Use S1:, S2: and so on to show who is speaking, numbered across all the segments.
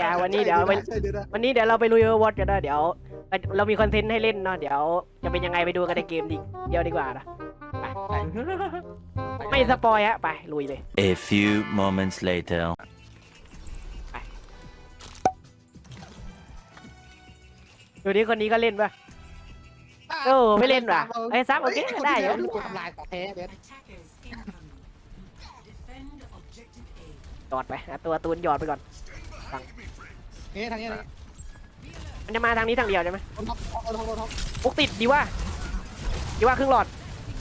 S1: วันนี้เดี๋ยวเราไปลุยวอตกันนะเดี๋ยวเรามีคอนเทนต์ให้เล่นเนาะเดี๋ยวจะเป็นยังไงไปดูกันในเกมเดียวดีกว่านะไปไม่สปอยฮะไปลุยเลย
S2: A few moments later.
S1: ดูนี้คนนี้ก็เล่นป่ะโอ้ไม่เล่นว่ะไอ้ซับโอเคได้อยู่
S3: กูทำลายของแท้เบส
S1: หยอดไปตัวตูนหยอดไปก่อน
S3: นี่ทางนี้
S1: มันจะมาทางนี้ทางเดียวใช่ไหม
S3: ท็อป
S1: ปุ๊กติดดีว่าครึ่งหลอด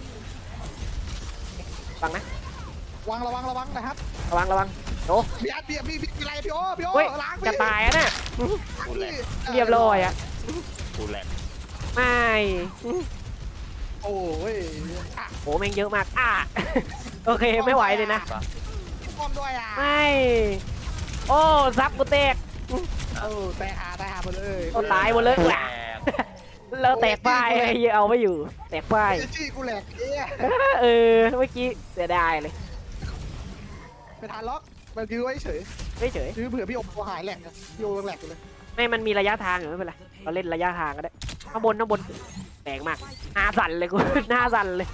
S1: ฟังนะ
S3: ระวังนะครับ
S1: ระวังโอ้
S3: พี่อัดพี่อะไรพี่โอ
S1: เฮ้ย
S3: ล้าง
S1: จะตายอ่ะน่ะ
S2: กูแหลก
S1: เรียบร้อยอ่ะ
S2: กูแหลก
S1: ไม่
S3: โอ้ย
S1: โหแม่งเยอะมากโอเคไม่ไหวเลยนะ
S3: ป้อมด้วย
S1: ไม่โอ้ซับกูแตก
S3: แต่หาหมดเลย
S1: โอ้ตายหมดเลย
S2: แหลก
S1: เราแตกป้ายเอาไม่อยู่แตกป้าย
S3: จี้กูแหลก
S1: เมื่อกี้เสียดายเลย
S3: ไปทานล็อกมันยื้อไว้เฉย
S1: ไม่เฉย
S3: ยื้อเผื่อพี่โอหายแหลกพี่โอแหลกเลย
S1: ไม่มันมีระยะทางอยู่ไม่เป็นไรเราเล่นระยะทางก็ได้ข้างบนแตกมากหน้าสั่นเลยกูหน้าสั่นเลย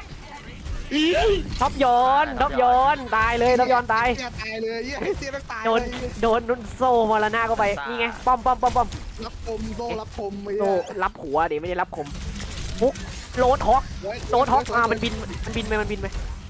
S1: ท็อปย้อนตายเลยท็อปย้อนตาย
S3: ตายเลยเตี้ยตาย
S1: โดนโซ่มรณะเข้าไปนี่ไงป้อม
S3: รับคมโซ่รับคม
S1: โซ่รับหัวดิไม่ได้รับคมปุ๊กโรดฮอกมันบินไป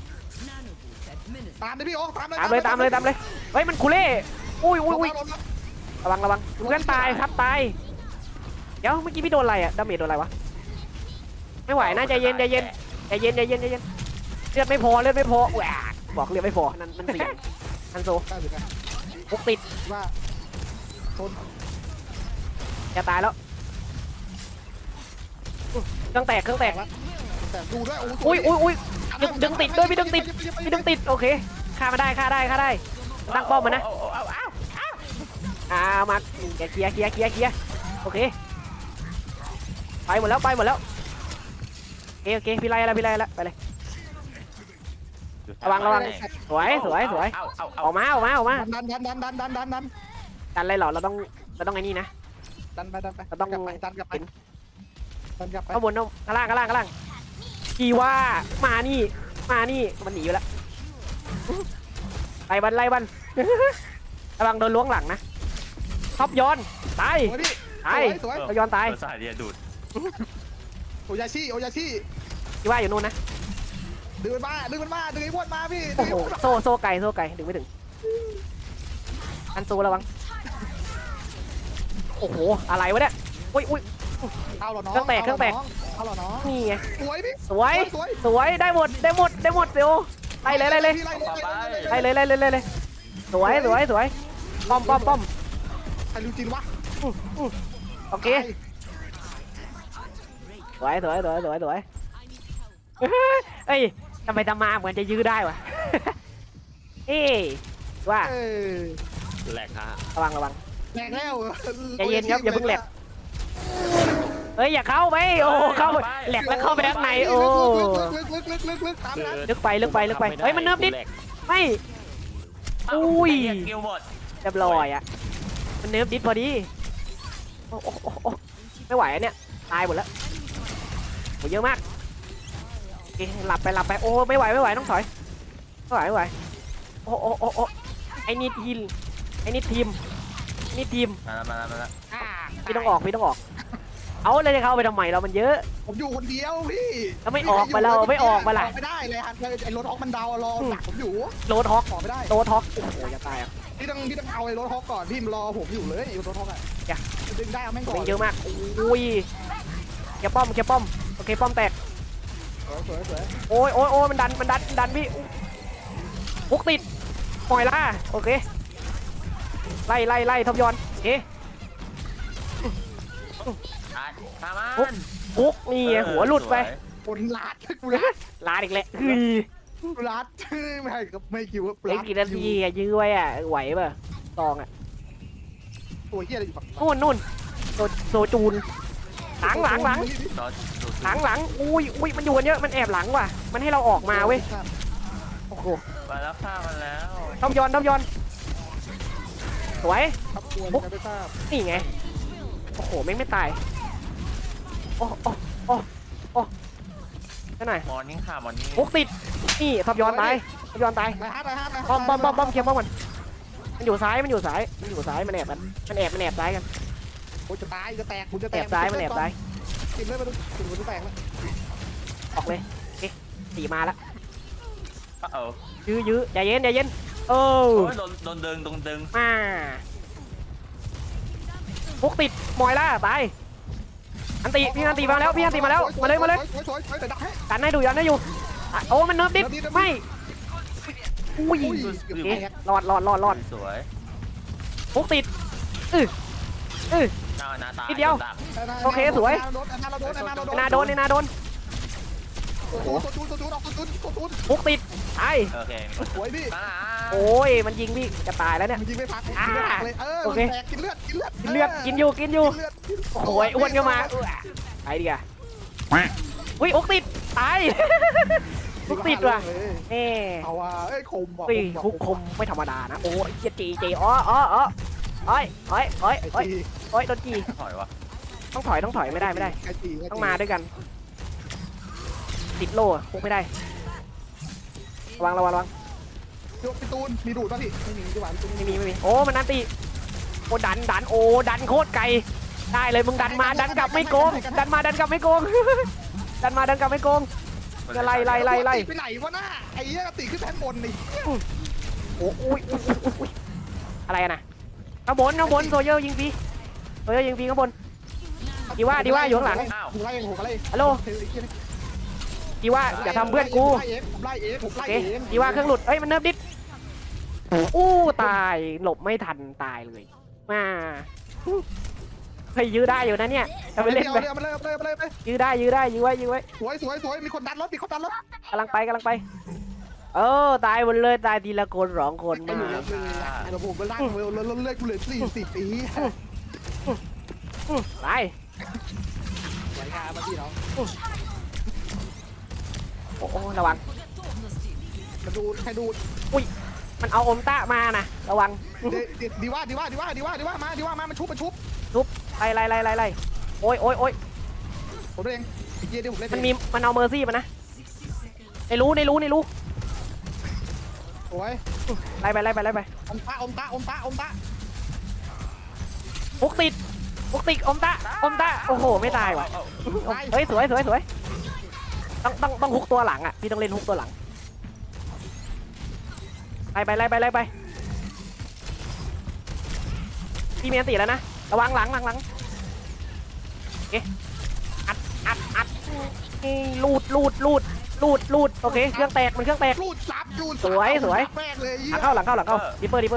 S3: ตามเลยพี่โอตามเลย
S1: เฮ้ยมันคูเล่อุ้ยระวังเพื่อนตายครับตายเดี๋ยวเมื่อกี้พี่โดนอะไรอะดาเมจโดนอะไรวะไม่ไหวนะใจเย็นเลือดไม่พอแหวกบอกเลือดไม่พอนั่นมันเสียนั่นโซปุ๊กติด
S3: ว่าชน
S1: จะตายแล้วเครื่องแตก
S3: แต่ดูด้วย
S1: อุ้ยดึงติดด้วยพี่ดึงติดโอเคฆ่ามาได้ตั้งป้อมมานะมาเคลียร์โอเคไปหมดแล้วโอเคพี่ไล่ละไปเลยระวังสวยออกมาดันเลยเหรอเราต้องไอ้นี่นะ
S3: ดันไป
S1: เราต้อง
S3: ดันกลับไป
S1: ข้างบนข้างล่างกีว่ามานี่มันหนีไปแล้วไล่บันระวังโดนล้วงหลังนะท็อปย้อนตายท็อปย้อนตาย
S2: สายเดียดูด
S3: โอยาชิ
S1: กีว่าอยู่นู่นนะ
S3: ดึงมันมาดึงไอ้พวดมาพี่
S1: โอ้โหโซ่ไก่ดึงไม่ถึงอันโซระวังโอ้โหอะไรวะเนี่ยอุ้ย
S3: เอาหรอน้อง
S1: เครื่องแตก
S3: เอาหรอน้อง
S1: นี่ไง
S3: สวยพี่
S1: สวยได้หมดเดี๋ยวไล่เลยสวยป้อม
S3: ใครรู้จริงวะ
S1: โอเคสวยเอ้ยทำไมทำมาเหมือนจะยื้อได้วะเอ้ว่า
S2: แหลกฮะ
S1: ระวัง
S3: แหลกแล้ว
S1: ใจเย็นครับอย่าเพิ่งแหลกเฮ้ยอย่าเข้าไปโอ้เข้าแหลกแล้วเข้าไปข้างในโอ้
S3: ลึกตามนั้น
S1: ลึกไปเฮ้ยมันเนิบนิดไม่อุ้ย
S2: เกี่ยวหมด
S1: เรียบร้อยอ่ะมันเนิบนิดพอดีโอ้ไม่ไหวเนี่ยตายหมดแล้วโหเยอะมากโอเคหลับไปโอ้ไม่ไหวต้องถอยไม่ไหวโอ้ไอ้นี่ทีม
S2: มาแล้ว
S1: พี่ต้องออกเอาเลยจะเข้าไปทำไมเรามันเยอะ
S3: ผมอยู่คนเดียวพี่
S1: แล้วไม่ออกมาล่ะ
S3: ไม่ได้เลยฮันไอ้รถฮอกมันดาวรอหนักผมอยู่
S1: โรดฮอก
S3: ออกไม่ได้
S1: โรดฮอกโอ้โหจะตายอ่ะ
S3: พี่ต้องเอาไอ้รถฮอกก่อนพี่รอผมอยู่เลยรถฮอกอ่ะดึงได้เอาแม่งก่อน
S1: เยอะมากอุ้ยแกป้อมโอเคป้อมแตก
S3: สวย
S1: โอ้ยมันดันพี่ปุ๊กติดปล่อยล่าโอเคไล่ทบยอนโอเค ปุ๊กนี่หัวหลุดไป
S3: คนลาด
S1: ลาดอีกแล้ว
S3: ลาดไม่คิว
S1: เล่นกี่นาทีอะยื้อไว้อะไหวป่ะตองอะ
S3: ตัวเหี้ยอะไรอยู่ฝั่ง
S1: นู่นโซจูนหลังอุ้ยมันอยู่กันเยอะมันแอบหลังว่ะมันให้เราออกมาเว้ยโอ้โห
S2: มาแล้วฆ่ามันแล้ว
S1: ทบยอนสวย
S3: ครับกวนกันไม่ทราบ
S1: นี่ไงโอ้โหแม่งไม่ตายโอ้โอ้โอ้โอ้นั่นหน่อย
S2: มอร์นิ่งค่ะมอร์นิ่ง
S1: ฮุกติดนี่ทับย้อนตายทับย้อนตาย
S3: ไปฮะไปฮะ
S1: บอมเคลียร์บอมมันมันอยู่ซ้ายมันอยู่ซ้ายมันแอบกันมันแอบซ้ายกัน
S3: โอ้จะตายจะแตกคุณจะแต
S1: แอก บซ้ายมันแอบซ้าย
S3: กินเลยมันถึงมันจะแตกแล้ว
S1: ออกเลยโอเคสีมาละ
S2: เออ
S1: ยื้อใจเย็นโอ้
S2: โอ้ยโดนดึง
S1: มาฮุกติดมอยล่าตายอันตีพี่อันตีมาแล้วมาเลย
S3: สวยแต่ดักให้
S1: กันให้ดูยันให้อยู่โอ้มันเนิร์ฟดิไม่อุ้ย
S3: อยู่
S1: โอเค
S3: แตก
S1: รอด
S2: สวย
S1: ฮุกติด
S2: หน้าตา
S1: โอเคสวย
S3: นาโดน
S1: นาโดน
S3: โอ้โหตัวจูนออกตัวจูน
S1: ฮุกติดตาย
S2: โอเค
S3: สวยพี่
S1: โอ้ยมันยิงพี่จะตายแล้วเนี่ย
S3: มันยิงไม่พักเลยมันแตกกินเลือด
S1: กินเลือดกินอยู่โอ้ยอ้วนก็มาไปดิอ่ะอุ้ยฮุกติดตายฮุกติดว่ะเอ๊
S3: เอาว่ะเอ้ยคมว่ะ
S1: อุ้ยฮุกคมไม่ธรรมดานะโอ้ยจีอ๋อโอ้ยโดนจี
S2: ถอยวะ
S1: ต้องถอยไม่ได้ต้องมาด้วยกันติดโล่คงไม่ได้ระวัง
S3: พี่ตูนมีดูดป่ะพี่ไม่มีดีกว่าพี่ตูน
S1: ไม่มีโอ้มันนันติโอ้ดันโอ้ดันโคตรไกลได้เลยมึงดันมาดันกลับไม่โกงดันมาดันกลับไม่โกงไล่
S3: ไปไหนวะหน้าไอ้เหี้ยตีขึ้นแท่นบนนี่
S1: โอ้ยอะไรนะข้างบนโซเยอร์ยิงฟรีข้างบนดีว่าอยู่ข้างหลัง
S3: ผมไล่เอง
S1: ฮัลโหลดีว่าอย่าทำเพื่อนกู
S3: ผมไล่เอง
S1: โอเคดีว่าเครื่องหลุดเอ้ยมันเนิร์ฟดิอู้ตายหลบไม่ทันตายเลยมาเฮ้ยยื้อได้อยู่นะเนี่ยทำไปเล่นไป
S3: มาเลย
S1: ยื้อได้ยื้อไว้
S3: สวยมีคนดันรถมีคนดันรถ
S1: กำลังไปตายหมดเลยตายทีละคน2 คน
S3: ไม่
S1: มา
S3: อยู่แล้วผมไปล่างเลิกกูเหลือ40 ปี
S1: ไป
S3: สวยงามมาพี่น้อง
S1: โอ้ระวัง
S3: มาดูใครดู
S1: มันเอาอมตะมานะระวัง
S3: ดีว่ามามันชุบ
S1: ไล่โอ้ย
S3: ผมเองไอ้เจี๊ยบผมเล่น
S1: มันเอาเมอร์ซี่มานะในรู้
S3: โอ้ย
S1: ไล่ไป
S3: อมตะ
S1: ฮุกติดอมตะโอ้โหไม่ตายว่ะเฮ้ยสวยต้องฮุกตัวหลังอ่ะพี่ต้องเล่นฮุกตัวหลังไล่ไปพี่มีอันติแล้วนะระวังหลังโอเคอัดลูดโอเคเครื่องแตก
S3: รูดซับ
S1: สวย
S3: แม่งเลย
S1: หลังเข้าดิปเปอร์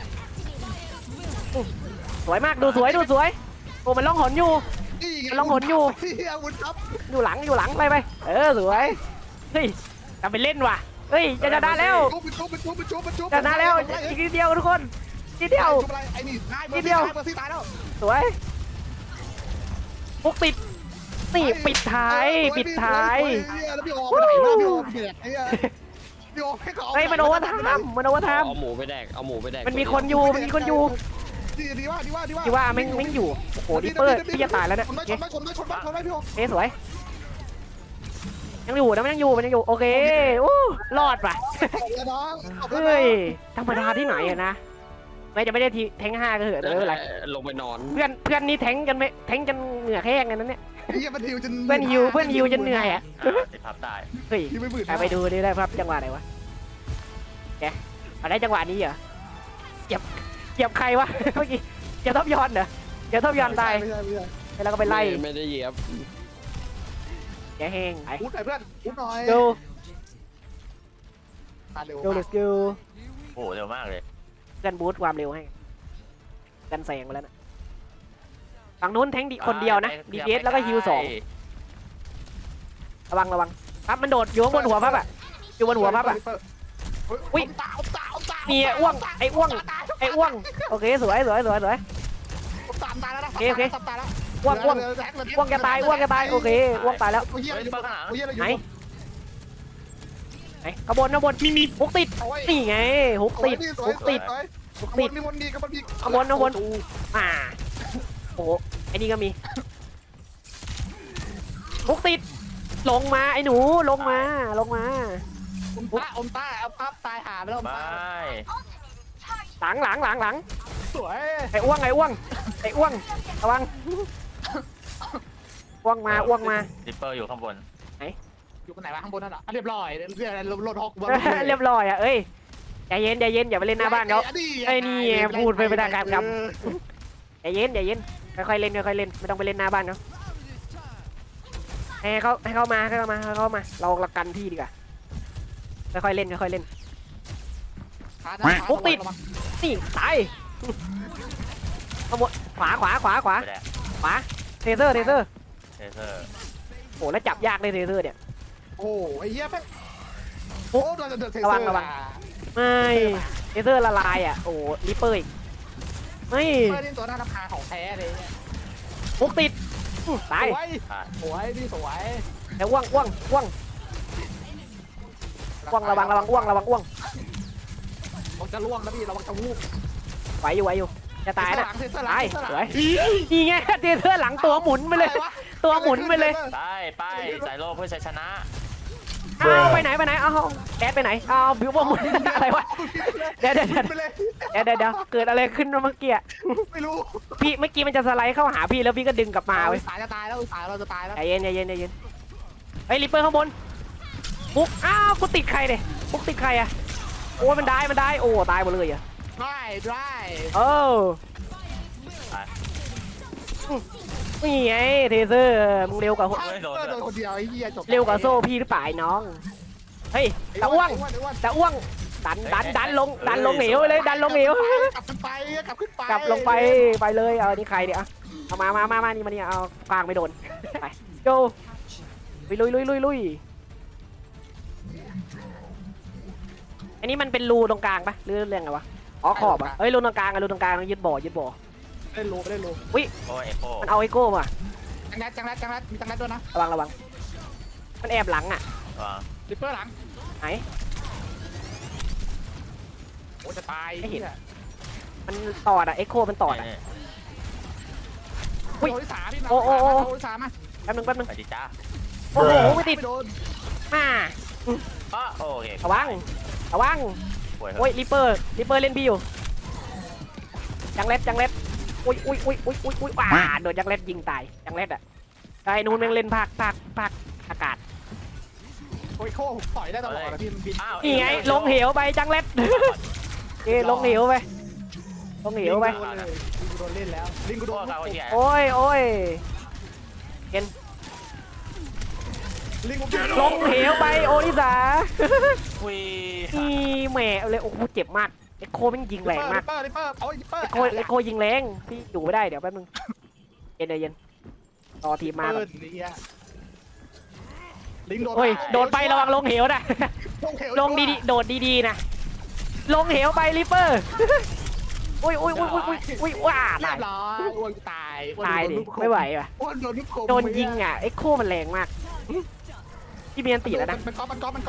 S1: สวยมากดูสวยโอ้มันล่องหนอยู่
S3: อาวุธครับ
S1: อยู่หลังไปสวยเฮ้ยทำไปเล่นว่ะเฮ้ยจะชนะแล้วชนะแล้วอีกนิดเดียวทุกคนนิดเดียว
S3: ไอ้นี่เบอร์ซี่ตายแล้ว
S1: สวยปุกติดนี่ปิดท้าย
S3: แล้วพี่โอไปไหนมาพี่โอเบียดไอ้พี่โอให้เขา
S1: เฮ้ยมันโอเวอร์ไทม์
S2: เอาหมูไปแดก
S1: มันมีคนอยู่
S3: ดีว่า
S1: ที่ว่าแม่งอยู่โอ้โหดิปเปอร์พี่จะตายแล้วเนี่ย
S3: ชนไม่พี่โอ
S1: สวยยังอยู่นะมันยังอยู่โอเคอู้รอดป่ะเฮ้ยธรรมดาที่ไหนอะนะไม่จะไม่ได้ทีแทง5ก็เถอะอะไร
S2: ลงไปนอน
S1: เพื่อนนี่แทงกันเหงื่อแห้งกันนั้นเนี่ย
S3: เฮียมันฮิวจน
S1: เพื่อนฮิวจนเหนื่อยอ่ะ
S2: ติดพับตาย
S1: เฮ้ยไปดูดิได้ครับจังหวะไหนวะแกได้จังหวะนี้เหรอเหยียบใครวะเมื่อกี้เหยียบท็อปยอนเหรอเหยียบท็อปยอนตายแล้วก็ไปไล่
S2: ไม่ได้เหยียบ
S1: แกแห้งไอ้
S3: พูดหน่อยเพื่อนพูดหน่อย
S1: ดู let's go
S2: โอ้เร็วมากเลย
S1: กันบูทความเร็วให้กันแซงไปแล้วนะฝั่งนู้นแทงดีคนเดียวนะ DPS แล้วก็ฮิว2ระวังปั๊บมันโดดอยู่บนหัวปั๊บอ่ะอยู่บนหัวปั๊บอ่ะมีอ้วงไอ้อ้วงโอเคสวย
S3: ตายแล้ว
S1: อ้วงแกตายโอเคอ้วงตายแล้วไหนขบวนมีฮุกติดนี่ไงฮุกติดลูก
S3: ข้างบ
S1: ติด
S3: นมีวนดีข้างบนมี
S1: ข้างบนอ่าโอ้โหไอ้นี่ก็มีลูกติดลงมาไอ้หนูลงมา
S3: อมต้าเอาปั๊บตายหาไปแล้วอม
S2: ไม่
S3: ต้า
S1: หลัง
S3: สวย
S1: ไอ้อ้วงระวังอ้วงมา
S2: ริปเปอร์อยู่ข้างบน
S3: อยู่กันไหนวะข้างบนนั่นเหรอเรียบร้อยเรียบรถฮอก
S1: เรียบร้อยอ่ะเอ้ยใจเย็นอย่าไปเล่นหน้าบ้านเขาไอ้นี่พูดไปไม่ได้ครับใจเย็นค่อยๆเล่นไม่ต้องไปเล่นหน้าบ้านเขาให้เขามาเรากันที่ดีกว่าค่อยๆเล่นนี่ตายขโมยขวา
S2: ไปแดก
S1: เทเซอร์
S2: เทเซอร์
S1: โอ้แล้วจับยากเลยเทเซอร์เนี่ย
S3: โอ้ไอ้เหี้ยแป๊บโอ้โดนเทเซอร์
S1: ไม่เทเซอร์ละลายอ่ะโอ้ริปเปอร์อีกไม่
S3: เพื่อนตัวหน้าทำพาของแท้เลย
S1: พุกติดตาย
S3: สวยพี่สวย
S1: แต่อ้วงระวังอ้วง
S3: มันจะล่วงแล้วพี่เราจะวูบ
S1: ไหวอยู่จะตายนะ
S3: เทเซอร์หลั
S1: ตาย
S3: ง
S1: สวยนี่ไงเทเซอร์หลังตัวหมุนไปเลย ตัวหมุนไปเลย
S2: ไปสายโลเพื่อชัยชนะ
S1: เอาไปไหนเอาแดดไปไหนเอาบิวบอมหมุนอะไรวะเดี๋ยวเกิดอะไรขึ้นเมื่อกี้
S3: ไม่รู้
S1: พี่เมื่อกี้มันจะสไลด์เข้าหาพี่แล้วพี่ก็ดึงกลับมาเว้ย
S3: สายจะตายแล้วสายเราจะตายแล้ว
S1: ใจเย็นเฮ้ยริปเปอร์ข้างบนปุ๊กอ้าวกูติดใครเนี่ยปุ๊กติดใครอะโอ้มันได้โอ้ตายหมดเลยอะ
S3: ได้
S1: เออนี่ไงเทเซอร์มึงเร็วกว่า
S3: โดนคนเดียวไอ้เหี้ยจบ
S1: เร็วกว่าโซ่พี่หรือเปล่าไอ้น้องเฮ้ยตะอ้วงดันลงเหวเลยดันลงเหว
S3: กลับขึ้นไป
S1: กลับลงไปเลยเอานี่ใครเนี่ยเอามานี่มานี่เอากลางไม่โดนไปโจไปลุยอันนี้มันเป็นรูตรงกลางปะหรือเรื่องไงวะอ๋อขอบอ่ะเฮ้ยรูตรงกลางต้องยึดบ่อ
S3: เล่นโล
S2: โอ้ยเอโค
S1: มันเอาไอโก้มา
S3: จังแรดมีจังแรดด้วยนะ
S1: ระวังมันแอบหลังอ่ะ
S3: ริปเปอร์หลัง
S1: ไหน
S3: โอ้จะตาย
S1: มันตอดอ่ะไอโก้มันตอดอ่ะ
S3: โอ้ที่สามพี่โอ้ที่สามมา
S1: แป๊บนึง
S2: ไปดิจ้า
S1: โอ้โหไม่ติด
S3: โดน
S1: มา
S2: โอเค
S1: ระวังโอ้ยริปเปอร์เล่นพี่อยู่จังเล็ดอุ้ยโดนจังเล็ดยิงตายจังเล็ดอ่ะไอ้นู้นแม่งเล่นภาคอากาศ
S3: โอ้ยโค้ต่อยได้ตลอดนะพี่มันบิน
S1: นี่ไงลงเหวไปจังเล็ดลงเหวไป
S3: โดนเล่นแล้วลิงกูโดน
S1: โอ้ย
S3: ลิงกู
S1: ลงเหวไปโอนิสา
S2: อุ้ย
S1: นี่แหม่เลยโอ้โหเจ็บมากไอโคมันยิงแรงมาก
S3: ริปเปอร์เอาริปเปอร์
S1: ไอโคยิงแรงพี่อยู่ไม่ได้เดี๋ยวแป๊บนึงเย็นรอทีมมาก่อน
S3: ลิงโดน
S1: โอ้ยโดนไประวังลงเหวนะลงดีๆโดดดีๆนะลงเหวไปริปเปอร์อุ้ยว้า
S3: เรียบร้อยอ้วนตาย
S1: ดิไม่ไหวว่ะ
S3: อ้วนโดนลูกโค
S1: โดนยิงอ่ะไอโคมันแรงมากพี่เมียนตีแล้วนะ
S3: มันก๊อป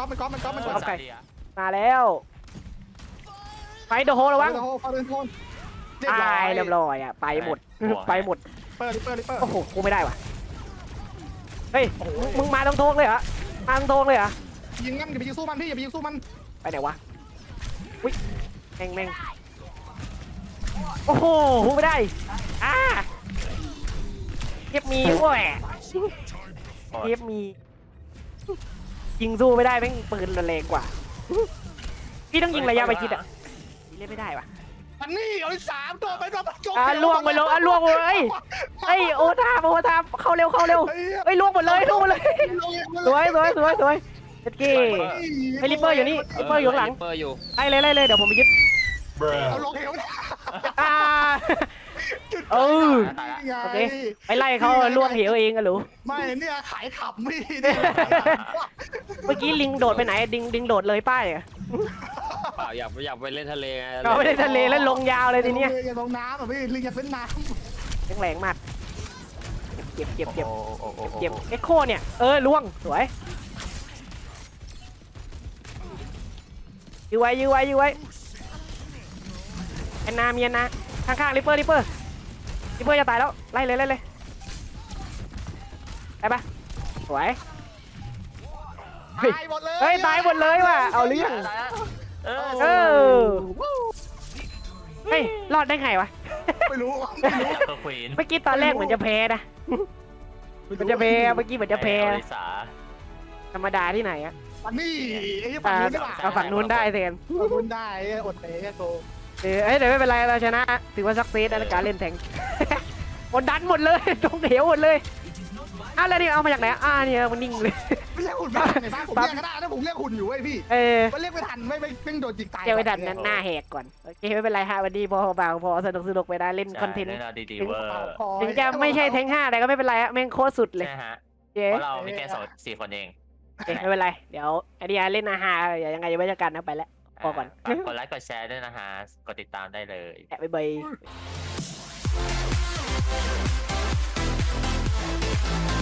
S1: มาแล้วไฟโดโฮระวัง ตายเรียบร้อยอ่ะไปหมด
S3: ริปเปอร์
S1: โอ้โหกูไม่ได้ว่ะเฮ้ยมึงมาตรงโทงเลยเหรอ
S3: ยิงงั้นอย่าไปยิงสู้มันพี่อย่าไปยิงสู้มัน
S1: ไปไหนวะอุ้ยแม่งโอ้โหกูไม่ได้เทียบมีโอ้ยเทียบมียิงสู้ไม่ได้แม่งปืนแรงกว่าพี่ต้องยิงระยะไปชิดอ่ะเล่นไม่ได้ว่ะ
S3: มันนี่เอาสามตัวไปตัวจบ
S1: ล่วงไปเลยเฮ้ยโอทามเข้าเร็วเฮ้ยล่วงหมดเลยสวยเจ็ดกี้ไอริปเปอร์อยู่นี่ริปเปอร์อยู่ข้างหลัง
S2: ริปเปอร์อยู่
S1: ไล่เลยเดี๋ยวผมไปยึด
S3: เอาลงเหว
S1: โอเคไปไล่เขาล่วงเหวเองอะหรือ
S3: ไม่เนี่ยขายขับไม่
S1: เมื่อกี้ลิงโดดไปไหนดิงโดดเลยป้ายอะ
S2: เปล่าอยากไปเล่นทะเลไง
S1: เราไม่ได้ทะเลแล้วลงยาวเลยทีเนี้ย
S3: อย่าลงน้ำอ่ะพี่ลิงอย่าเป็นน้ำ
S1: แรงมากเจ็บเอ็กโคเนี่ยล่วงสวยยื้อไว้นนามีแอนนาข้างๆริปเปอร์จะตายแล้วไล่เลยได้ปะสวย
S3: ตายหมดเลย
S1: เฮ้ยตายหมดเลยว่ะเอาเรื่อง
S2: ตายแล้วเอ
S1: เอ
S2: อ
S1: อเฮ้ยรอดได้ไงวะ
S3: ไม่รู้
S2: ตัวควีน
S1: เมื่อกี้ตอนแรกเหมือนจะแพ้นะมันจะแพ้เมื่อกี้เหมือนจะแพ้
S2: อ
S1: นะ
S2: ลิสา
S1: ธรรมดาที่ไหนอะ
S3: นี่ไอ้ที่ฝั่งนู้นดีกว่า
S1: เอาฝั่งนู้นได้เซน
S3: ฝั่งนู้นได้อดเตะโต
S1: เอ้ยเดี๋ยวไม่เป็นไรเราชนะถือว่าซักเซสในการเล่นแทง หมดดันหมดเลยตรงเหวหมดเลยอ้าวแล้วนี่เอามาจากไหนเนี่ยมันนิ่งเลย
S3: ไม่เรียกหุ่นบ้างไงบ้างผมเรียกก็ได้นะผมเรียกหุ่นอยู่เว้ยพี่ มันเรียกไม่ทันไม่โดนจิกตาย
S1: เจอไปดันนั้นหน้าแหกก่อนโอเคไม่เป็นไรฮะวันนี้พอสนุกไปได้เล่นคอนเทนต์
S2: ใช่ดีๆเวอร์
S1: ถึงจะไม่ใช่แทง5แต่ก็ไม่เป็นไรอะแม่งโคตรสุดเลย
S2: ใช่ฮะ
S1: เจ๊
S2: เพราะเรามีแค่4 คนเอง
S1: ไม่เป็นไรเดี๋ยวไอเดียเล่นอาหารยังไงจะไม่จัดการนะไปแล้วพอก่อน
S2: ฝากกดไลค์กดแชร์ด้วยนะฮะกดติดตามได้เลย
S1: แอะบาย